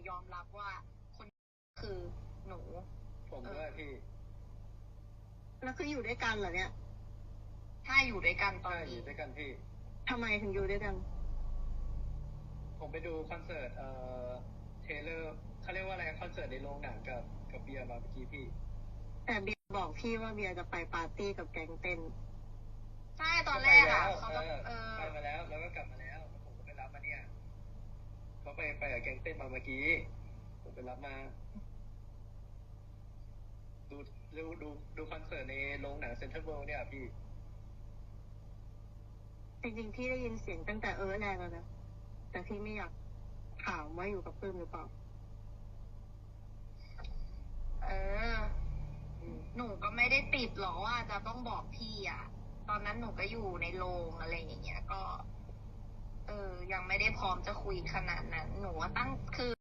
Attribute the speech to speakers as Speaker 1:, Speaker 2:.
Speaker 1: ยอมรับว่าคนคือหนู
Speaker 2: ผมด้วยพี่
Speaker 3: แล้วคืออยู่ด้วยกันเหรอเนี่ย
Speaker 1: ถ้าอยู่ด้วยกันตอน
Speaker 2: ใช่อ
Speaker 1: นี้
Speaker 2: ยู่ด้วยกันพี่
Speaker 3: ทำไมถึงอยู่ด้วยกัน
Speaker 2: ผมไปดูคอนเสิร์ตเทเลอร์เขาเรียกว่าอะไรคอนเสิร์ตในโรงหนังกับเบียร์มาเมื่อกี้พี่
Speaker 3: แต่เบียร์บอกพี่ว่าเบียร์จะไปปาร์ตี้กับแก๊งเต้น
Speaker 1: ใช่ตอนแรกอ่ะเขา
Speaker 2: ไป
Speaker 1: ก็
Speaker 2: มาแล้วแล้วก็กลับมาแล้วแล้วผมก็ไปรับมาเนี่ยเขาไปกับแก๊งเต้นมาเมื่อกี้ผมไปรับมา ดูคอนเสิร์ตในโรงหนังเซ็นทรัลเวิลด์เนี่ยพี่
Speaker 3: จริงๆพี่ได้ยินเสียงตั้งแต่แรกแล้วนะ แต่พี่ไม่อยากถามว่าอยู่กับปื้มหรือเปล่า
Speaker 1: เออ หนูก็ไม่ได้ติดหรอกว่าจะต้องบอกพี่อ่ะ ตอนนั้นหนูก็อยู่ในโรงอะไรอย่างเงี้ยก็ ยังไม่ได้พร้อมจะคุยขนาดนั้น หนูว่าคือ